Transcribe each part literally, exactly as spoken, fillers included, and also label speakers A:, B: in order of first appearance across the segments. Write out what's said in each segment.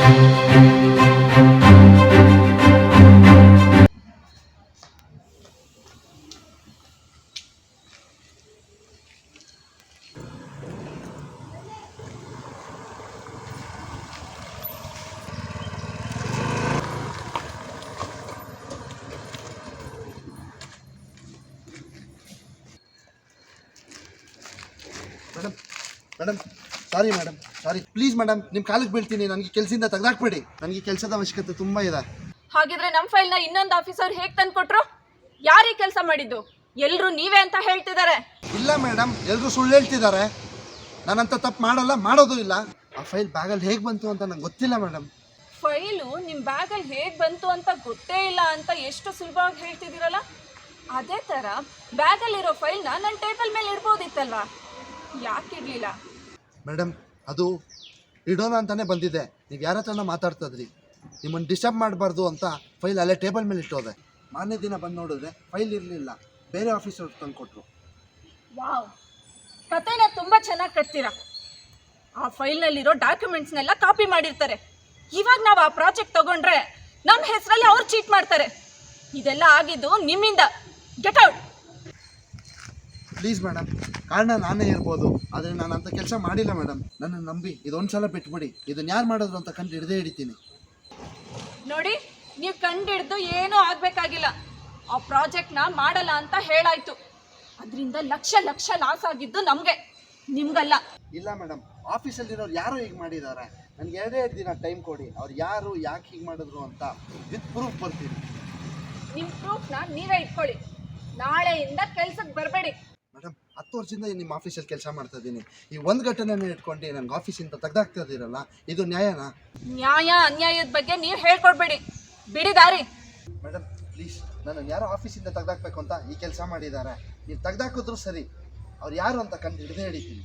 A: Madam madam sorry madam sorry please madam ನಿಮ್ಮ ಕಾಲಿಗೆ ಬೀಳ್ತೀನಿ, ನನಗೆ ಕೆಲಸದಿಂದ ತೆಗೆದಾಕ್ಬೇಡಿ, ನನಗೆ ಕೆಲಸದ ಅವಶ್ಯಕತೆ ತುಂಬ ಇದೆ.
B: ಹಾಗಿದ್ರೆ ನಮ್ಮ ಫೈಲ್ನ ಇನ್ನೊಂದು ಆಫೀಸರ್ ಹೇಗೆ ತಂದು ಕೊಟ್ರು? ಯಾರೀ ಕೆಲಸ ಮಾಡಿದ್ದು? ಎಲ್ಲರೂ ನೀವೇ ಅಂತ ಹೇಳ್ತಿದ್ದಾರೆ.
A: ಇಲ್ಲ ಮೇಡಮ್, ಎಲ್ಲರೂ ಸುಳ್ಳು ಹೇಳ್ತಿದ್ದಾರೆ. ನಾನಂತ ತಪ್ಪು ಮಾಡಲ್ಲ, ಮಾಡೋದು ಇಲ್ಲ. ಆ ಫೈಲ್ ಬ್ಯಾಗಲ್ಲಿ ಹೇಗೆ ಬಂತು ಅಂತ ನಂಗೆ ಗೊತ್ತಿಲ್ಲ ಮೇಡಮ್.
B: ಫೈಲು ನಿಮ್ಮ ಬ್ಯಾಗಲ್ಲಿ ಹೇಗೆ ಬಂತು ಅಂತ ಗೊತ್ತೇ ಇಲ್ಲ ಅಂತ ಎಷ್ಟು ಸುಲಭವಾಗಿ ಹೇಳ್ತಿದ್ದೀರಲ್ಲ, ಅದೇ ಥರ ಬ್ಯಾಗಲ್ಲಿರೋ ಫೈಲ್ನ ನನ್ನ ಟೇಬಲ್ ಮೇಲೆ ಇಡ್ಬೋದಿತ್ತಲ್ವಾ? ಯಾಕೆ ಇಡಲಿಲ್ಲ
A: ಮೇಡಮ್? ಅದು ಇಡೋಣ ಅಂತಾನೆ ಬಂದಿದ್ದೆ, ನೀವು ಯಾರ ಹತ್ರನ ಮಾತಾಡ್ತದ್ರಿ, ನಿಮ್ಮನ್ನು ಡಿಸ್ಟರ್ಬ್ ಮಾಡಬಾರ್ದು ಅಂತ ಫೈಲ್ ಅಲ್ಲೇ ಟೇಬಲ್ ಮೇಲೆ ಇಟ್ಟೋದೆ. ಮಾರನೇ ದಿನ ಬಂದು ನೋಡಿದ್ರೆ ಫೈಲ್ ಇರಲಿಲ್ಲ, ಬೇರೆ ಆಫೀಸರ್ ತಂದು ಕೊಟ್ಟರು.
B: ವಾವ್, ಕತೆನ ತುಂಬ ಚೆನ್ನಾಗಿ ಕಟ್ತೀರಾ. ಆ ಫೈಲ್ನಲ್ಲಿರೋ ಡಾಕ್ಯುಮೆಂಟ್ಸ್ನೆಲ್ಲ ಕಾಪಿ ಮಾಡಿರ್ತಾರೆ. ಇವಾಗ ನಾವು ಆ ಪ್ರಾಜೆಕ್ಟ್ ತಗೊಂಡ್ರೆ ನಮ್ಮ ಹೆಸರಲ್ಲಿ ಅವ್ರು ಚೀಟ್ ಮಾಡ್ತಾರೆ. ಇದೆಲ್ಲ ಆಗಿದ್ದು ನಿಮ್ಮಿಂದ. Get out.
A: ಪ್ಲೀಸ್ ಮೇಡಮ್, ಕಾರಣ ನಾನೇ ಇರ್ಬೋದು, ಆದರೆ ನಾನು ಅಂಥ ಕೆಲಸ ಮಾಡಿಲ್ಲ ಮೇಡಮ್. ನನ್ನನ್ನು ನಂಬಿ ಇದೊಂದು ಸಲ ಬಿಟ್ಬಿಡಿ, ಇದನ್ನು ಯಾರು ಮಾಡಿದ್ರು ಅಂತ ಕಂಡು ಹಿಡ್ದೇ ಹಿಡಿತೀನಿ.
B: ನೋಡಿ, ನೀವು ಕಂಡಿಡ್ದು ಏನೂ ಆಗಬೇಕಾಗಿಲ್ಲ. ಆ ಪ್ರಾಜೆಕ್ಟ್ನ ಮಾಡಲ್ಲ ಅಂತ ಹೇಳಾಯ್ತು. ಅದರಿಂದ ಲಕ್ಷ ಲಕ್ಷ ಲಾಸ್ ಆಗಿದ್ದು ನಮಗೆ, ನಿಮ್ಗಲ್ಲ.
A: ಇಲ್ಲ ಮೇಡಮ್, ಆಫೀಸಲ್ಲಿರೋರು ಯಾರು ಹೀಗೆ ಮಾಡಿದ್ದಾರೆ. ನನಗೆ ಎರಡೇ ಎರಡು ದಿನ ಟೈಮ್ ಕೊಡಿ, ಅವ್ರು ಯಾರು ಯಾಕೆ ಹೀಗೆ ಮಾಡಿದ್ರು ಅಂತ ವಿತ್ ಪ್ರೂಫ್ ಬರ್ತೀನಿ.
B: ನಿಮ್ಮ ಪ್ರೂಫ್ನ ನೀವೇ ಇಟ್ಕೊಳ್ಳಿ. ನಾಳೆಯಿಂದ ಕೆಲ್ಸಕ್ಕೆ ಬರಬೇಡಿ.
A: ಮೇಡಮ್, ಹತ್ತು ವರ್ಷದಿಂದ ನಿಮ್ಮ ಆಫೀಸಲ್ಲಿ ಕೆಲಸ ಮಾಡ್ತಾ ಇದ್ದೀನಿ. ಈ ಒಂದು ಘಟನೆನೇ ಇಟ್ಕೊಂಡು ನನಗೆ ಆಫೀಸಿಂದ ತೆಗ್ದಾಕ್ತಾ ಇದ್ದೀರಲ್ಲ, ಇದು ನ್ಯಾಯನಾ?
B: ನ್ಯಾಯ ಅನ್ಯಾಯದ ಬಗ್ಗೆ ನೀವು ಹೇಳ್ಕೊಡ್ಬೇಡಿ, ಬಿಡಿ ದಾರಿ.
A: ಮೇಡಮ್ ಪ್ಲೀಸ್, ನನ್ನನ್ನು ಯಾರೋ ಆಫೀಸಿಂದ ತೆಗ್ದಾಕ್ಬೇಕು ಅಂತ ಈ ಕೆಲಸ ಮಾಡಿದ್ದಾರೆ. ನೀವು ತೆಗ್ದಾಕಿದ್ರು ಸರಿ, ಅವ್ರು ಯಾರು ಅಂತ ಕಂಡು ಹಿಡ್ದೇ ಹಿಡಿತೀನಿ.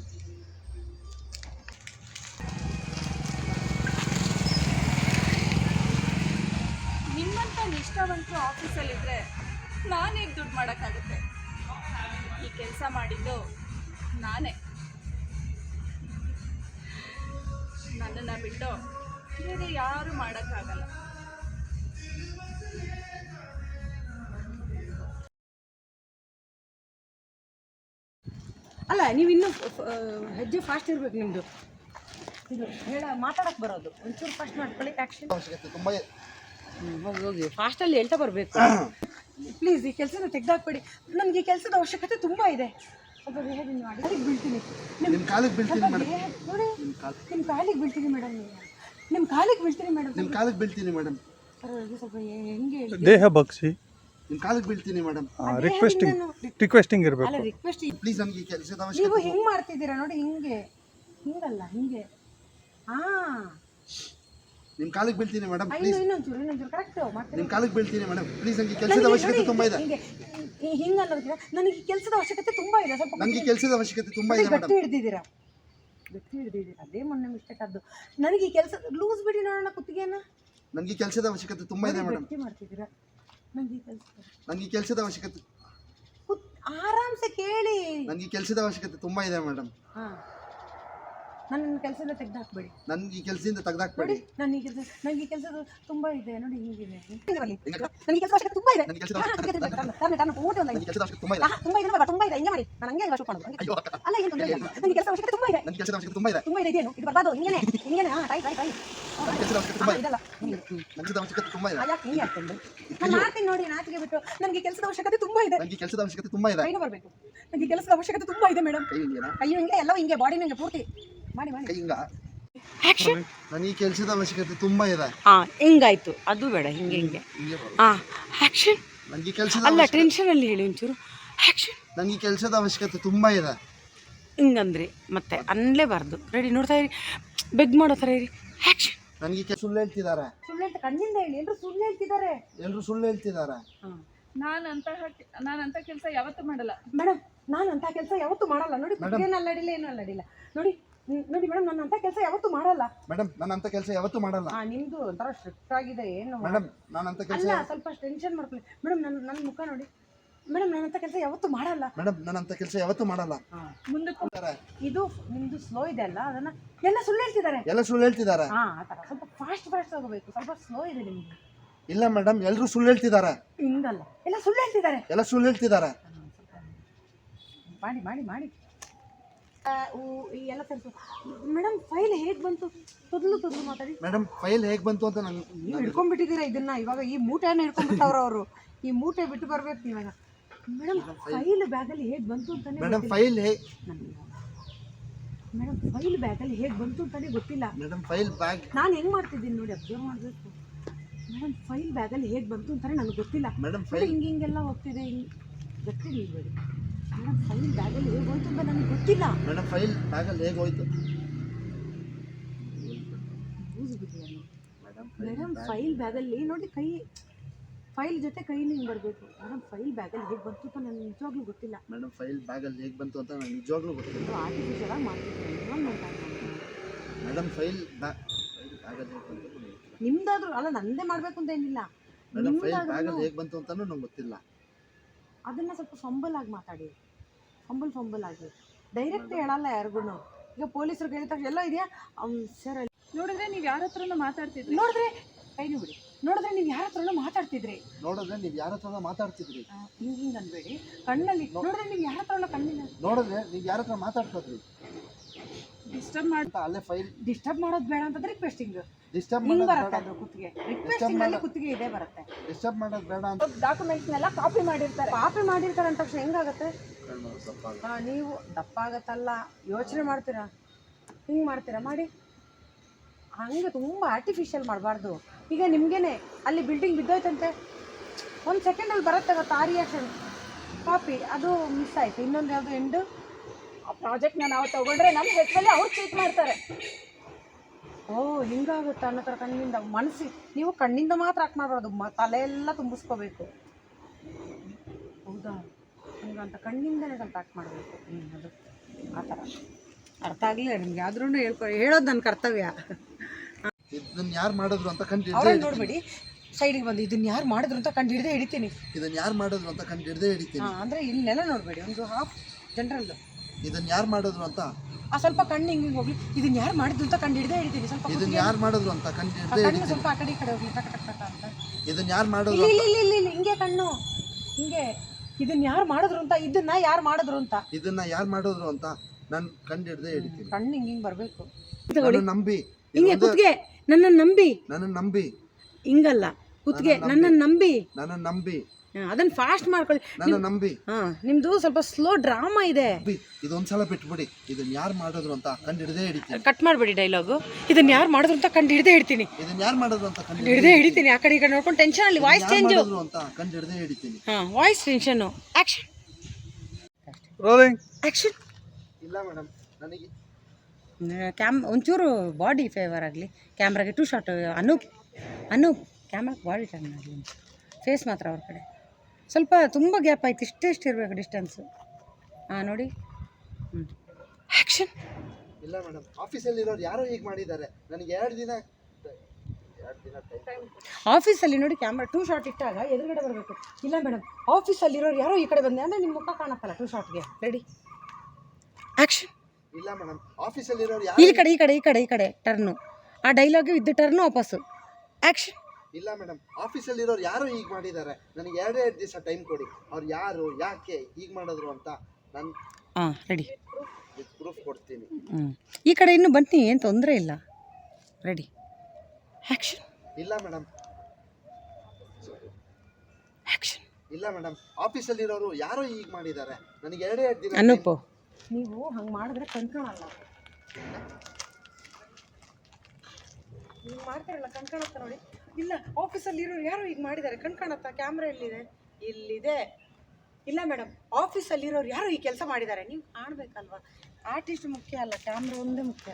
B: ನಿಮ್ಮಂಥ ನಿಷ್ಠಾವಂತರು ಆಫೀಸಲ್ಲಿದ್ದರೆ ನಾನೇಗೆ ದುಡ್ಡು ಮಾಡೋಕ್ಕಾಗುತ್ತೆ? ಈ ಕೆಲಸ ಮಾಡಿದ್ದು ನಾನೇ. ನನ್ನನ್ನು ಬಿಟ್ಟು ಬೇರೆ ಯಾರು ಮಾಡೋಕ್ಕಾಗಲ್ಲ.
C: ಅಲ್ಲ, ನೀವು ಇನ್ನೂ ಹೆಜ್ಜೆ ಫಾಸ್ಟ್ ಇರ್ಬೇಕು. ನಿಮ್ಮದು ಇದು ಹೇಳ ಮಾತಾಡಕ್ಕೆ ಬರೋದು ಒಂಚೂರು ಫಾಸ್ಟ್ ಮಾಡ್ಕೊಳ್ಳಿ. ಆ್ಯಕ್ಷನ್
A: ಅವಶ್ಯಕತೆ ತುಂಬ ಇದೆ.
C: ಹೋಗಿ ಹೋಗಿ ಫಾಸ್ಟಲ್ಲಿ ಹೇಳ್ತಾ ಬರಬೇಕು. ಪ್ಲೀಸ್ ಈ ಕೆಲಸನ ತೆಗೆದಾಕ್ಬೇಡಿ. ನನಗೆ ಈ ಕೆಲಸದ ಅವಶ್ಯಕತೆ ತುಂಬ ಇದೆ. ಸ್ವಲ್ಪ ದೇಹದಿಂದ ಮಾಡಿ ಕಾಲಿಗೆ ಬೀಳ್ತೀನಿ.
A: ನಿಮ್ಮ ಕಾಲಿಗೆ ಬೀಳ್ತೀನಿ ಮೇಡಮ್.
C: ನೋಡಿ, ನಿಮ್ಮ ಕಾಲಿಗೆ ಬೀಳ್ತೀನಿ ಮೇಡಮ್. ನಿಮ್ಮ ಕಾಲಿಗೆ ಬೀಳ್ತೀನಿ ಮೇಡಮ್.
A: ನಿಮ್ಮ ಕಾಲಿಗೆ ಬೀಳ್ತೀನಿ ಮೇಡಮ್.
C: ಸ್ವಲ್ಪ ಹೆಂಗೆ
D: ದೇಹ ಬಗ್ಸಿ
A: ನಿಮ್ಮ ಕಾಲಿಗೆ ಬೀಳ್ತೀನಿ ಮೇಡಮ್.
D: ರಿಕ್ವೆಸ್ಟಿಂಗ್ ರಿಕ್ವೆಸ್ಟಿಂಗ್ ಇರಬೇಕು.
C: ಅಲ್ಲ, ರಿಕ್ವೆಸ್ಟ್.
A: ಪ್ಲೀಸ್, ನನಗೆ ಈ ಕೆಲಸದ
C: ನೀವು
A: ಅವಶ್ಯಕತೆ.
C: ಹಿಂಗೆ ಮಾಡ್ತಿದ್ದೀರಾ ನೋಡಿ, ಹಿಂಗೆ ಹಿಂಗಲ್ಲ, ಹಿಂಗೆ. ಹಾಂ,
A: ನಿಮ್ಮ ಕಾಲಿಗೆ ಬೀಳ್ತೀನಿ ಮೇಡಮ್.
C: ಇನ್ನೊಂದು
A: ಪ್ಲೀಸ್
C: ಇನ್ನೊಂಚೂರು ಇನ್ನೊಂಚೂರು ಕರೆಕ್ಟ್ ಮಾಡ್ತೀನಿ.
A: ನಿಮ್ಮ ಕಾಲಿಗೆ ಬೀಳ್ತೀನಿ ಮೇಡಮ್. ಪ್ಲೀಸ್, ನನಗೆ ಕೆಲಸದ ಅವಶ್ಯಕತೆ ತುಂಬ ಇದೆ.
C: ಹಿಂಗೆ ಅನ್ನೋದಕ್ಕಿಂತ ನನಗೆ ಕೆಲಸದ ಅವಶ್ಯಕತೆ ತುಂಬ ಇದೆ. ಸ್ವಲ್ಪ
A: ನನಗೆ ಕೆಲಸದ ಅವಶ್ಯಕತೆ ತುಂಬ ಇದೆ ಮೇಡಮ್.
C: ಗಟ್ಟಿ ಹಿಡ್ದಿದ್ದೀರಾ, ಗಟ್ಟಿ ಹಿಡ್ದಿದ್ದೀರಾ. ಅದೇ ಮೊನ್ನೆ ಮಿಸ್ಟೇಕ್ ಆದ್ದು. ನನಗೆ ಈ ಕೆಲಸ ಲೂಸ್ ಬಿಡಿ ನೋಡೋಣ ಕುತ್ತಿಗೆನ.
A: ನನಗೆ ಕೆಲಸದ ಅವಶ್ಯಕತೆ ತುಂಬ ಇದೆ ಮೇಡಮ್.
C: ಗಟ್ಟಿ ಮಾಡ್ತಿದ್ದೀರಾ. ನನಗೆ ಈ ಕೆಲಸ
A: ನನಗೆ ಕೆಲಸದ ಅವಶ್ಯಕತೆ
C: ಕುತ್ ಆರಾಮ್ಸೆ ಕೇಳಿ.
A: ನನಗೆ ಕೆಲಸದ ಅವಶ್ಯಕತೆ ತುಂಬ ಇದೆ ಮೇಡಮ್.
C: ಹಾಂ, ನನ್ನ ಕೆಲಸದ ತೆಗೆದು ಹಾಕ್ಬೇಡಿ.
A: ನನಗೆ ಈ ಕೆಲಸದಿಂದ ತೆಗೆದಾಕ್ಬೇಡಿ.
C: ನನ್ನ ಈ ಕೆಲಸ ನನಗೆ ಈ ಕೆಲಸದ ತುಂಬ ಇದೆ ನೋಡಿ. ಹಿಂಗಿದೆ ನನಗೆ ಕೆಲಸ ಅವಶ್ಯಕತೆ ತುಂಬ ಇದೆ.
A: ನನಗೆ ಕೆಲಸದ
C: ಊಟ ಒಂದು
A: ನನಗೆ ಕೆಲಸದ ಅವಶ್ಯಕತೆ ತುಂಬ ಇದೆ.
C: ತುಂಬ ಇದೆ ತುಂಬ ಇದೆ. ಹಿಂಗೆ ಮಾಡಿ, ನಾನು ಹಂಗೆ ಶೂಟ್ ಮಾಡೋದು. ಅಲ್ಲ, ಏನು ತೊಂದರೆ ಇಲ್ಲ. ನನಗೆ ಕೆಲಸ ಅವಶ್ಯಕತೆ ತುಂಬ ಇದೆ.
A: ನನಗೆ ಕೆಲಸದ ಅವಶ್ಯಕತೆ ತುಂಬ ಇದೆ.
C: ತುಂಬ ಇದೆ. ಇದೇನು ಇದು ಬರ್ಬಾರ್ದು. ಹಿಂಗೇನೆ ಹಿಂಗೇನೆ. ಹಾಂ, ಟ್ರೈ ಟ್ರೈ ಟ್ರೈ.
A: ನನಗೆ ಕೆಲಸದ ಅವಶ್ಯಕತೆ ತುಂಬ ಇದೆ.
C: ಇದಲ್ಲ,
A: ನನಗೆ ಅವಶ್ಯಕತೆ ತುಂಬ ಇದೆ.
C: ಯಾಕೆ ಹಿಂಗೆ ಆಗ್ತದೆ? ನಾನು ಮಾಡ್ತೀನಿ ನೋಡಿ, ನಾಚಿಕೆ ಬಿಟ್ಟು. ನನಗೆ ಕೆಲಸದ ಅವಶ್ಯಕತೆ ತುಂಬ ಇದೆ.
A: ನನಗೆ ಕೆಲಸದ ಅವಶ್ಯಕತೆ ತುಂಬ ಇದೆ.
C: ಕೈನೂ ಬರಬೇಕು. ನನಗೆ ಕೆಲಸದ ಅವಶ್ಯಕತೆ ತುಂಬ ಇದೆ ಮೇಡಮ್.
A: ಕೈ ಹಿಂಗೇನಾ?
C: ಕೈ ಹಿಂಗೆ, ಎಲ್ಲ ಹಿಂಗೆ, ಬಾಡಿನೂ ಹಿಂಗೆ ಪೂರ್ತಿ ಮಾಡಿ ಮಾಡಿ.
A: ಕೈ ಹಿಂಗ.
C: ಆಕ್ಷನ್.
A: ನನಗೆ ಕೆಲಸದ ಅವಶ್ಯಕತೆ ತುಂಬ ಇದೆ.
C: ಹಾಂ, ಹಿಂಗಾಯ್ತು. ಅದು ಬೇಡ, ಹಿಂಗೆ ಹಿಂಗೆ. ಹಾಂ, ಆಕ್ಷನ್.
A: ನನಗೆ ಕೆಲಸದ
C: ಅಲ್ಲ, ಟೆನ್ಷನಲ್ಲಿ ಹೇಳಿ ಒಂಚೂರು. ಆಕ್ಷನ್.
A: ನನಗೆ ಕೆಲಸದ ಅವಶ್ಯಕತೆ ತುಂಬ ಇದೆ.
C: ಹಿಂಗಂದ್ರಿ ಮತ್ತೆ ಅನ್ಲೇಬಾರ್ದು. ರೆಡಿ, ನೋಡ್ತಾ ಇರಿ, ಬೆಗ್ ಮಾಡೋ ಥರ ಇರಿ. ಆಕ್ಷನ್.
A: ನನಗೆ ಕೆಲ ಸುಳ್ಳು ಹೇಳ್ತಿದ್ದಾರೆ.
C: ಸುಳ್ಳು ಹೇಳ್ತಾ ಕಣ್ಣಿಂದ ಹೇಳಿ. ಎಲ್ಲರೂ ಸುಳ್ಳು ಹೇಳ್ತಿದ್ದಾರೆ.
A: ಎಲ್ಲರೂ ಸುಳ್ಳು ಹೇಳ್ತಿದ್ದಾರೆ.
C: ಹಾಂ,
B: ನಾನಂತ ನಾನಂತ ಕೆಲಸ ಯಾವತ್ತೂ ಮಾಡಲ್ಲ
C: ಮೇಡಮ್. ನಾನು ಅಂಥ ಕೆಲಸ ಯಾವತ್ತೂ ಮಾಡಲ್ಲ ನೋಡಿ. ಏನು ಅಲ್ಲಡಿಲ್ಲ, ಏನು ಅಲ್ಲಡಿಲ್ಲ ನೋಡಿ. ನೋಡಿ ಮೇಡಮ್, ನಾನು ಅಂಥ ಕೆಲಸ ಯಾವತ್ತೂ ಮಾಡಲ್ಲ.
A: ಮೇಡಮ್, ನಾನು ಅಂಥ ಕೆಲಸ ಯಾವತ್ತೂ ಮಾಡಲ್ಲ.
C: ಹಾಂ, ನಿಮ್ಮದು ಒಂಥರ ಸ್ಟ್ರಿಕ್ಟ್ ಆಗಿದೆ. ಏನು
A: ಮೇಡಮ್, ನಾನು ಅಂಥ ಕೆಲಸ
C: ಅಲ್ಲ, ಸ್ವಲ್ಪ ಟೆನ್ಷನ್ ಮಾಡ್ಕೊಳ್ಳಿ ಮೇಡಮ್. ನನ್ನ ನನ್ನ ಮುಖ ನೋಡಿ. ಮೇಡಮ್ ನನ್ನಂತ ಕೆಲಸ ಯಾವತ್ತೂ ಮಾಡಲ್ಲ.
A: ಮೇಡಮ್ ನನ್ನಂತ ಕೆಲಸ ಯಾವತ್ತೂ ಮಾಡಲ್ಲ.
B: ಮುಂದಕ್ಕೆ
C: ಇದು ನಿಮ್ದು ಸ್ಲೋ ಇದೆ ಅಲ್ಲ, ಅದನ್ನ ಎಲ್ಲ ಸುಳ್ಳು ಹೇಳ್ತಿದ್ದಾರೆ.
A: ಎಲ್ಲ ಸುಳ್ಳು ಹೇಳ್ತಿದ್ದಾರೆ.
C: ಹಾ ಆ ಥರ ಸ್ವಲ್ಪ ಫಾಸ್ಟ್ ಫಾಸ್ಟ್ ಹೋಗಬೇಕು, ಸ್ವಲ್ಪ ಸ್ಲೋ ಇದೆ ನಿಮ್ಗೆ.
A: ಇಲ್ಲ ಮೇಡಮ್, ಎಲ್ಲರೂ ಸುಳ್ಳು ಹೇಳ್ತಿದ್ದಾರೆ.
C: ಹಿಂಗಲ್ಲ, ಎಲ್ಲ ಸುಳ್ಳು ಹೇಳ್ತಿದ್ದಾರೆ.
A: ಎಲ್ಲ ಸುಳ್ಳು ಹೇಳ್ತಿದ್ದಾರೆ.
C: ಮಾಡಿ ಮಾಡಿ ಮಾಡಿ ಆ, ಊ, ಈ ಎಲ್ಲ ಕೆಲಸ. ಮೇಡಮ್ ಫೈಲ್ ಹೇಗೆ ಬಂತು? ತೊದಲು ತೊದಲು ಮಾತಾಡಿ.
A: ಮೇಡಮ್ ಫೈಲ್ ಹೇಗೆ ಬಂತು ಅಂತ ನಂಗೆ
C: ನೀವು ಹಿಡ್ಕೊಂಡ್ಬಿಟ್ಟಿದ್ದೀರಾ ಇದನ್ನ. ಇವಾಗ ಈ ಮೂಟೆನ ಹಿಡ್ಕೊಂಡ್ಬಿಟ್ಟವ್ರು ಅವರು. ಈ ಮೂಟೆ ಬಿಟ್ಟು ಬರ್ಬೇಕು ಇವಾಗ. ಮೇಡಮ್ ಫೈಲ್ ಬ್ಯಾಗಲ್ಲಿ ಹೇಗೆ ಬಂತು ಅಂತಾನೆ
A: ಮೇಡಮ್ ಫೈಲ್ ಹೇಗೆ
C: ಮೇಡಮ್ ಫೈಲ್ ಬ್ಯಾಗಲ್ಲಿ ಹೇಗೆ ಬಂತು ಅಂತಾನೆ ಗೊತ್ತಿಲ್ಲ.
A: ಮೇಡಮ್ ಫೈಲ್ ಬ್ಯಾಗ್
C: ನಾನು ಹೆಂಗೆ ಮಾಡ್ತಿದ್ದೀನಿ ನೋಡಿ, ಅಬ್ಸರ್ವ್ ಮಾಡಬೇಕು. ಮೇಡಮ್ ಫೈಲ್ ಬ್ಯಾಗಲ್ಲಿ ಹೇಗೆ ಬಂತು ಅಂತಾನೆ ನನಗೆ ಗೊತ್ತಿಲ್ಲ.
A: ಮೇಡಮ್
C: ಫೈಲ್ ಹಿಂಗೆ ಹಿಂಗೆಲ್ಲ ಹೋಗ್ತಿದೆ, ಹಿಂಗೆ ಗೊತ್ತಿಲ್ಲ ಬೇಡಿ. ಮೇಡಮ್ ಫೈಲ್ ಬ್ಯಾಗಲ್ಲಿ ಹೇಗೆ ಹೋಯ್ತು ಅಂತ ನನಗೆ ಗೊತ್ತಿಲ್ಲ.
A: ಮೇಡಮ್ ಫೈಲ್ ಬ್ಯಾಗಲ್ಲಿ ಹೇಗೆ ಹೋಯ್ತು?
C: ಮೇಡಮ್ ಫೈಲ್ ಬ್ಯಾಗಲ್ಲಿ ನೋಡಿ ಕೈ, ಫೈಲ್ ಜೊತೆ ಕೈ ಹಿಂಗೆ ಬರಬೇಕು. ಮೇಡಮ್ ಫೈಲ್ ಬ್ಯಾಗಲ್ಲಿ ಹೇಗೆ ಬಂತು ಅಂತ ನನಗೆ ನಿಜವಾಗ್ಲೂ ಗೊತ್ತಿಲ್ಲ.
A: ಮೇಡಮ್ ಫೈಲ್ ಬ್ಯಾಗಲ್ಲಿ ಹೇಗೆ ಬಂತು ಅಂತ ನನಗೆ ನಿಜವಾಗ್ಲೂ ಗೊತ್ತಿಲ್ಲ.
C: ಆರ್ಟಿಫಿಷಿಯಲ್ ಆಗಿ ಮಾಡ್ತಿದ್ದೀನಿ.
A: ಮೇಡಮ್ ಫೈಲ್ ಬ್ಯಾಗ್ ಫೈಲ್ ಬ್ಯಾಗಲ್ಲಿ ಹೇಗೆ ಬಂತು ಅಂತ ನನಗೆ ಗೊತ್ತಿಲ್ಲ.
C: ನಿಮ್ದಾದ್ರೂ ಅಲ್ಲ, ನಂದೇ ಮಾಡಬೇಕು ಅಂತ ಏನಿಲ್ಲ.
A: ಮೇಡಮ್ ಫೈಲ್ ಬ್ಯಾಗಲ್ಲಿ ಹೇಗೆ ಬಂತು ಅಂತಲೂ ನಂಗೆ ಗೊತ್ತಿಲ್ಲ.
C: ಅದನ್ನು ಸ್ವಲ್ಪ ಫಂಬಲ್ ಆಗಿ ಮಾತಾಡಿ, ಫಂಬಲ್ ಫಂಬಲ್ ಆಗಿ ಡೈರೆಕ್ಟ್ ಹೇಳಲ್ಲ ಯಾರಿಗೂ. ಈಗ ಪೊಲೀಸರು ಹೇಳಿದ ತಕ್ಷಣ ಎಲ್ಲ ಇದೆಯಾ ಸರ್
B: ನೋಡಿದ್ರೆ ನೀವು ಯಾರ ಹತ್ರನೂ ಮಾತಾಡ್ತಿದ್ರಿ.
C: ನೋಡಿದ್ರೆ ಕೈನು ಬಿಡಿ. ನೋಡಿದ್ರೆ ನೀವು ಯಾರ ಹತ್ರನೂ ಮಾತಾಡ್ತಿದ್ರಿ.
A: ನೋಡಿದ್ರೆ ನೀವು ಯಾರ ಹತ್ರ ಮಾತಾಡ್ತಿದ್ರಿ.
C: ಹಿಂಗೆ ಹಿಂಗೆ ಅನ್ಬೇಡಿ. ಕಣ್ಣಲ್ಲಿ ನೋಡಿದ್ರೆ ನೀವು ಯಾರ ಹತ್ರನೂ ಕಣ್ಣಿಲ್ಲ.
A: ನೋಡಿದ್ರೆ ನೀವು ಯಾರ ಹತ್ರ ಮಾತಾಡ್ತಿದ್ರಿ.
B: ಡಿಸ್ಟರ್ಬ್ ಮಾಡಿ
A: ಅಂತ ಅಲ್ಲೇ ಫೈಲ್
C: ಡಿಸ್ಟರ್ಬ್ ಮಾಡೋದು ಬೇಡ ಅಂತಂದ್ರೆ ರಿಕ್ವೆಸ್ಟಿಂಗ್
A: ಡಿಸ್ಟರ್ಬ್
C: ಹಿಂಗೆ
A: ಮಾಡೋದು
C: ಬರುತ್ತೆ.
A: ಬೇಡ.
C: ಅದು ಕುತ್ತಿಗೆ ರಿಕ್ವೆಸ್ಟಿಂಗ್ ಅಲ್ಲಿ ಕುತ್ತಿಗೆ ಇದೆ ಬರುತ್ತೆ.
A: ಡಿಸ್ಟರ್ಬ್ ಮಾಡೋದು ಬೇಡ ಅಂತ
B: ಡಾಕ್ಯುಮೆಂಟ್ಸ್ನೆಲ್ಲ ಕಾಪಿ ಮಾಡಿರ್ತಾರೆ.
C: ಕಾಪಿ ಮಾಡಿರ್ತಾರೆ ಅಂದ ತಕ್ಷಣ ಹೆಂಗಾಗುತ್ತೆ?
A: ಕಣ್ಣು ಸ್ವಲ್ಪ
C: ಹಾ, ನೀವು ದಪ್ಪ ಆಗತ್ತಲ್ಲ ಯೋಚನೆ ಮಾಡ್ತೀರಾ, ಹಿಂಗೆ ಮಾಡ್ತೀರಾ ಮಾಡಿ. ಹಂಗೆ ತುಂಬ ಆರ್ಟಿಫಿಷಿಯಲ್ ಮಾಡಬಾರ್ದು. ಈಗ ನಿಮಗೇನೆ ಅಲ್ಲಿ ಬಿಲ್ಡಿಂಗ್ ಬಿದ್ದೋಯ್ತಂತೆ, ಒಂದು ಸೆಕೆಂಡಲ್ಲಿ ಬರುತ್ತೆ ಗೊತ್ತಾ ಆ ರಿಯಾಕ್ಷನ್. ಕಾಪಿ ಅದು ಮಿಸ್ ಆಯಿತು. ಇನ್ನೊಂದು ಯಾವುದು ಎಂಡು
B: ಆ ಪ್ರಾಜೆಕ್ಟ್ನ ನಾವು ತಗೊಂಡ್ರೆ ನಮ್ಮ ಹೆಸರಲ್ಲಿ ಅವ್ರು ಚೀಟ್ ಮಾಡ್ತಾರೆ.
C: ಓ ಹಿಂಗಾಗುತ್ತೆ ಅನ್ನೋ ಥರ ಕಣ್ಣಿಂದ ಮನಸ್ಸಿ ನೀವು ಕಣ್ಣಿಂದ ಮಾತ್ರ ಆಕ್ಟ್ ಮಾಡಬಾರ್ದು, ಮ ತಲೆಯೆಲ್ಲ ತುಂಬಿಸ್ಕೋಬೇಕು. ಹೌದಾ, ಹಂಗಂತ ಕಣ್ಣಿಂದನೇ ಸ್ವಲ್ಪ ಆಕ್ಟ್ ಮಾಡಬೇಕು. ಹ್ಞೂ ಅದು ಆ ಥರ ಅರ್ಥ ಆಗಲಿಲ್ಲ ನಿಮ್ಗೆ, ಆದ್ರೂ ಹೇಳ್ಕೊ ಹೇಳೋದು ನನ್ನ ಕರ್ತವ್ಯ.
A: ಇದನ್ನ ಯಾರು ಮಾಡಿದ್ರು ಅಂತ ಕಂಡು
C: ಅವ್ರನ್ನ ನೋಡ್ಬೇಡಿ, ಸೈಡಿಗೆ ಬಂದು ಇದನ್ನ ಯಾರು ಮಾಡಿದ್ರು ಅಂತ ಕಂಡು ಹಿಡಿದೇ ಹಿಡಿತೀನಿ.
A: ಇದನ್ನ ಯಾರು ಮಾಡಿದ್ರು ಅಂತ ಕಂಡು ಹಿಡ್ದೇ ಹಿಡಿತೀನಿ.
C: ಹಾಂ ಅಂದರೆ ಇಲ್ಲೆಲ್ಲ ನೋಡಬೇಡಿ, ಒಂದು ಹಾಫ್ ಜನರಲ್ದು.
A: ಇದನ್ನ ಯಾರು ಮಾಡಿದ್ರು ಅಂತ
C: ಆ ಸ್ವಲ್ಪ ಕಣ್ಣು ಹಿಂಗೆ ಹೋಗ್ಲಿ, ಇದನ್ನ ಯಾರು ಮಾಡಿದ್ರು ಅಂತ ಕಂಡು ಹಿಡಿದೇ ಹಿಡಿತೀನಿ. ಸ್ವಲ್ಪ
A: ಇದನ್ನ ಯಾರು ಮಾಡಿದ್ರು ಅಂತ ಕಂಡು ಹಿಡ್ದೇ
C: ಕಣ್ಣು
A: ಹಿಡಿತೀನಿ.
C: ಸ್ವಲ್ಪ ಆ ಕಡೆ ಈ ಕಡೆ ಹೋಗ್ಲಿ, ಟಕ್ ಟಕ್ ಟಕ್ ಅಂತ.
A: ಇದನ್ನ ಯಾರು ಮಾಡಿದ್ರು
C: ಇಲ್ಲಿ ಇಲ್ಲಿ ಇಲ್ಲಿ ಇಲ್ಲಿ ಹಿಂಗೆ ಕಣ್ಣು ಹಿಂಗೆ, ಇದನ್ನ ಯಾರು ಮಾಡಿದ್ರು ಅಂತ, ಇದನ್ನ ಯಾರು ಮಾಡಿದ್ರು ಅಂತ
A: ಇದನ್ನ ಯಾರು ಮಾಡಿದ್ರು ಅಂತ ನಾನು ಕಂಡು ಹಿಡ್ದೇ ಹಿಡಿತೀನಿ.
C: ಕಣ್ಣು ಹಿಂಗೆ ಹಿಂಗೆ ಬರಬೇಕು.
A: ನನ್ನ ನಂಬಿ
C: ಹಿಂಗೆ ಕುತ್ತಿಗೆ ನನ್ನ ನಂಬಿ,
A: ನನ್ನ ನಂಬಿ
C: ಹಿಂಗಲ್ಲ ಕುತ್ತಿಗೆ ನನ್ನ ನಂಬಿ,
A: ನನ್ನ ನಂಬಿ
C: ಅದನ್ನ ಫಾಸ್ಟ್ ಮಾಡ್ಕೊಳ್ಳಿ.
A: ನನ್ನ ನಂಬಿ
C: ಹಾ, ನಿಮ್ದು ಸ್ವಲ್ಪ ಸ್ಲೋ ಡ್ರಾಮಾ ಇದೆ.
A: ಇದೊಂದ್ಸಲ ಬಿಟ್ಬಿಡಿ. ಇದನ್ನ ಯಾರು ಮಾಡಿದ್ರು ಅಂತ ಕಂಡು ಹಿಡ್ದೇ ಹಿಡಿತೀನಿ.
C: ಕಟ್ ಮಾಡಬೇಡಿ ಡೈಲಾಗು. ಇದನ್ನ ಯಾರು ಮಾಡಿದ್ರು ಅಂತ ಕಂಡು ಹಿಡ್ದೇ ಹಿಡ್ತೀನಿ.
A: ಇದನ್ನ ಯಾರು ಮಾಡಿದ್ರು ಅಂತ ಕಂಡು
C: ಹಿಡ್ದೇ ಹಿಡಿತೀನಿ. ಆ ಕಡೆ ಈ ಕಡೆ ನೋಡ್ಕೊಂಡು ಟೆನ್ಷನ್ ಅಲ್ಲಿ ವಾಯ್ಸ್ ಚೇಂಜ್
A: ಅಂತ ಕಂಡು ಹಿಡ್ದೇ ಹಿಡಿತೀನಿ.
C: ಹಾ, voice tension. Action
D: rolling
C: action.
A: ಇಲ್ಲ ಮೇಡಮ್, ನನಗೆ
C: ಕ್ಯಾಮ್ ಒಂಚೂರು ಬಾಡಿ ಫೇವರ್ ಆಗಲಿ ಕ್ಯಾಮ್ರಾಗೆ. ಟೂ ಶಾರ್ಟ್ ಅನೂಪ್ ಅನೂಪ್ ಕ್ಯಾಮ್ರಾಗೆ ಬಾಡಿ ಟರ್ನ್ ಆಗಲಿ, ಫೇಸ್ ಮಾತ್ರ ಅವ್ರ ಕಡೆ. ಸ್ವಲ್ಪ ತುಂಬ ಗ್ಯಾಪ್ ಆಯ್ತು, ಇಷ್ಟೇ ಇಷ್ಟು ಇರಬೇಕು ಡಿಸ್ಟೆನ್ಸು. ಹಾಂ ನೋಡಿ. ಹ್ಞೂ ಆ್ಯಕ್ಷನ್.
A: ಇಲ್ಲ ಮೇಡಮ್, ಆಫೀಸಲ್ಲಿ ಇರೋರು ಯಾರೋ ಹೀಗೆ ಮಾಡಿದ್ದಾರೆ. ನನಗೆ ಎರಡು ದಿನ ಎರಡು ದಿನ ಟೈಮ್.
C: ಆಫೀಸಲ್ಲಿ ನೋಡಿ ಕ್ಯಾಮ್ರಾ ಟೂ ಶಾರ್ಟ್ ಇಟ್ಟಾಗ ಎದುರುಗಡೆ ಬರಬೇಕು. ಇಲ್ಲ ಮೇಡಮ್, ಆಫೀಸಲ್ಲಿರೋರು ಯಾರೋ ಈ ಕಡೆ ಬಂದೆ ಅಂದರೆ ನಿಮ್ಮ ಮುಖ ಕಾಣತ್ತಲ್ಲ ಟೂ ಶಾರ್ಟ್ಗೆ. Ready action.
A: ಇಲ್ಲ ಮೇಡಮ್, ಆಫೀಸಲ್ಲಿ ಇರೋರು
C: ಈ
A: ಯಾರು
C: ಕಡೆ ಈ ಕಡೆ ಈ ಕಡೆ ಈ ಕಡೆ ಟರ್ನು. ಆ ಡೈಲಾಗು ಇದ್ದು ಟರ್ನು ವಾಪಸ್ಸು. ಆ್ಯಕ್ಷನ್.
A: ಇಲ್ಲ ಮೇಡಮ್, ಆಫೀಸಲ್ಲಿ ಇರೋರು ಯಾರೋ ಹೀಗೆ ಮಾಡಿದ್ದಾರೆ. ನನಗೆ ಎರಡು ಎರಡು ದಿವಸ ಟೈಮ್ ಕೊಡಿ. ಅವ್ರು ಯಾರು, ಯಾಕೆ ಹೀಗೆ ಮಾಡಿದ್ರು ಅಂತ ನಾನು
C: ಹಾಂ ರೆಡಿ
A: ಪ್ರೂಫ್ ಕೊಡ್ತೀನಿ.
C: ಹ್ಞೂ ಈ ಕಡೆ ಇನ್ನೂ ಬನ್ನಿ, ಏನು ತೊಂದರೆ ಇಲ್ಲ. Ready action.
A: ಇಲ್ಲ ಮೇಡಮ್,
C: ಆ್ಯಕ್ಷನ್.
A: ಇಲ್ಲ ಮೇಡಮ್, ಆಫೀಸಲ್ಲಿ ಇರೋರು ಯಾರೋ ಹೀಗೆ ಮಾಡಿದ್ದಾರೆ. ನನಗೆ ಎರಡು ಎರಡು ದಿನ
C: ಅನೂಪ್, ನೀವು ಹಂಗೆ ಮಾಡಿದ್ರೆ ಕಣ್ಕಾಣಲ್ಲ. ನೀವು ಮಾಡ್ತೀರಲ್ಲ ಕಣ್ಕಾಣತ್ತ ನೋಡಿ. ಇಲ್ಲ, ಆಫೀಸಲ್ಲಿ ಇರೋರು ಯಾರೋ ಹೀಗೆ ಮಾಡಿದ್ದಾರೆ, ಕಣ್ಕಾಣತ್ತಾ? ಕ್ಯಾಮ್ರಾ ಎಲ್ಲಿದೆ? ಇಲ್ಲಿದೆ. ಇಲ್ಲ ಮೇಡಮ್, ಆಫೀಸಲ್ಲಿರೋರು ಯಾರೋ ಈ ಕೆಲಸ ಮಾಡಿದ್ದಾರೆ, ನೀವು ಕಾಣಬೇಕಲ್ವಾ? ಆರ್ಟಿಸ್ಟ್ ಮುಖ್ಯ ಅಲ್ಲ, ಕ್ಯಾಮ್ರಾ ಒಂದೇ ಮುಖ್ಯ.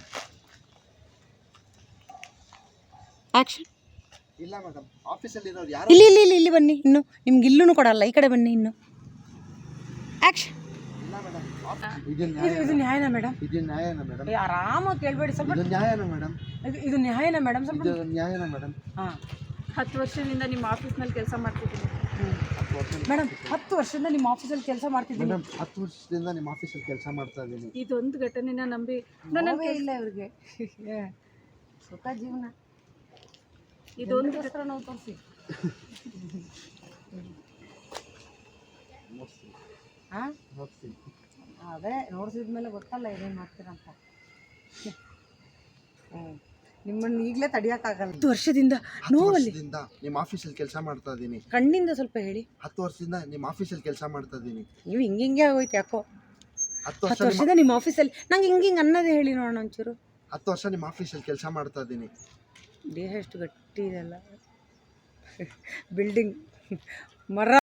C: ಆ್ಯಕ್ಷನ್.
A: ಇಲ್ಲ ಮೇಡಮ್, ಆಫೀಸಲ್ಲಿ ಇರೋರು ಯಾರೋ
C: ಇಲ್ಲಿ ಇಲ್ಲಿ ಇಲ್ಲಿ ಇಲ್ಲಿ ಬನ್ನಿ, ಇನ್ನು ನಿಮ್ಗೆ ಇಲ್ಲೂ ಕೊಡಲ್ಲ, ಈ ಕಡೆ ಬನ್ನಿ ಇನ್ನು. ಆ್ಯಕ್ಷನ್.
A: ಇಲ್ಲ ಮೇಡಮ್, ಇದು
C: ಇದು ನ್ಯಾಯನಾ ಮೇಡಮ್?
A: ಇದು ನ್ಯಾಯನಾ ಮೇಡಮ್?
C: ಆರಾಮಾಗಿ ಕೇಳಬೇಡಿ ಸ್ವಲ್ಪ.
A: ಇದು ನ್ಯಾಯನಾ ಮೇಡಮ್?
C: ಇದು ಇದು ನ್ಯಾಯನಾ ಮೇಡಮ್? ಸ್ವಲ್ಪ
A: ಇದು ನ್ಯಾಯನಾ ಮೇಡಮ್?
C: ಹಾಂ.
B: ಹತ್ತು ವರ್ಷದಿಂದ ನಿಮ್ಮ ಆಫೀಸ್ನಲ್ಲಿ ಕೆಲಸ ಮಾಡ್ತಿದ್ದೀನಿ.
A: ಹತ್ತು ವರ್ಷ
C: ಮೇಡಮ್ ಹತ್ತು ವರ್ಷದಿಂದ ನಿಮ್ಮ ಆಫೀಸಲ್ಲಿ ಕೆಲಸ ಮಾಡ್ತಿದ್ದೀನಿ.
A: ಮೇಡಮ್ ಹತ್ತು ವರ್ಷದಿಂದ ನಿಮ್ಮ ಆಫೀಸಲ್ಲಿ ಕೆಲಸ ಮಾಡ್ತಾ ಇದ್ದೀನಿ.
B: ಇದೊಂದು ಘಟನೆನ ನಂಬಿ ನನ್ನ
C: ನೋವೇ ಇಲ್ಲ ಇವ್ರಿಗೆ. ಸುಖ ಜೀವನ.
B: ಇದೊಂದು
C: ಇದೊಂದು ನಾವು ತೋರಿಸಿ. ಹಾಂ
A: ನೋಡ್ತೀನಿ.
C: ಅದೇ ನೋಡ್ಸಿದ್ಮೇಲೆ ಗೊತ್ತಲ್ಲ ಏನೇನು ಮಾಡ್ತೀರಂತ. ಹ್ಞೂ ನಿಮ್ಮನ್ನು ಈಗಲೇ ತಡಿಯೋಕ್ಕಾಗಲ್ಲ. ಹತ್ತು ವರ್ಷದಿಂದ
A: ಹತ್ತು ವರ್ಷದಿಂದ ನಿಮ್ಮ ಆಫೀಸಲ್ಲಿ ಕೆಲಸ ಮಾಡ್ತಾ ಇದ್ದೀನಿ.
C: ಕಣ್ಣಿಂದ ಸ್ವಲ್ಪ ಹೇಳಿ.
A: ಹತ್ತು ವರ್ಷದಿಂದ ನಿಮ್ಮ ಆಫೀಸಲ್ಲಿ ಕೆಲಸ ಮಾಡ್ತಾ ಇದ್ದೀನಿ.
C: ನೀವು ಹಿಂಗೆ ಹಿಂಗೆ ಆಗೋಯ್ತು ಯಾಕೋ.
A: ಹತ್ತು ವರ್ಷ
C: ಹತ್ತು ವರ್ಷದಿಂದ ನಿಮ್ಮ ಆಫೀಸಲ್ಲಿ ನಂಗೆ ಹಿಂಗೆ ಹಿಂಗೆ ಅನ್ನೋದೇ ಹೇಳಿ ನೋಡೋಣ ಒಂಚೂರು.
A: ಹತ್ತು ವರ್ಷ ನಿಮ್ಮ ಆಫೀಸಲ್ಲಿ ಕೆಲಸ ಮಾಡ್ತಾ ಇದ್ದೀನಿ.
C: ದೇಹ ಎಷ್ಟು ಗಟ್ಟಿ ಇದೆಲ್ಲ. ಬಿಲ್ಡಿಂಗ್ ಮರ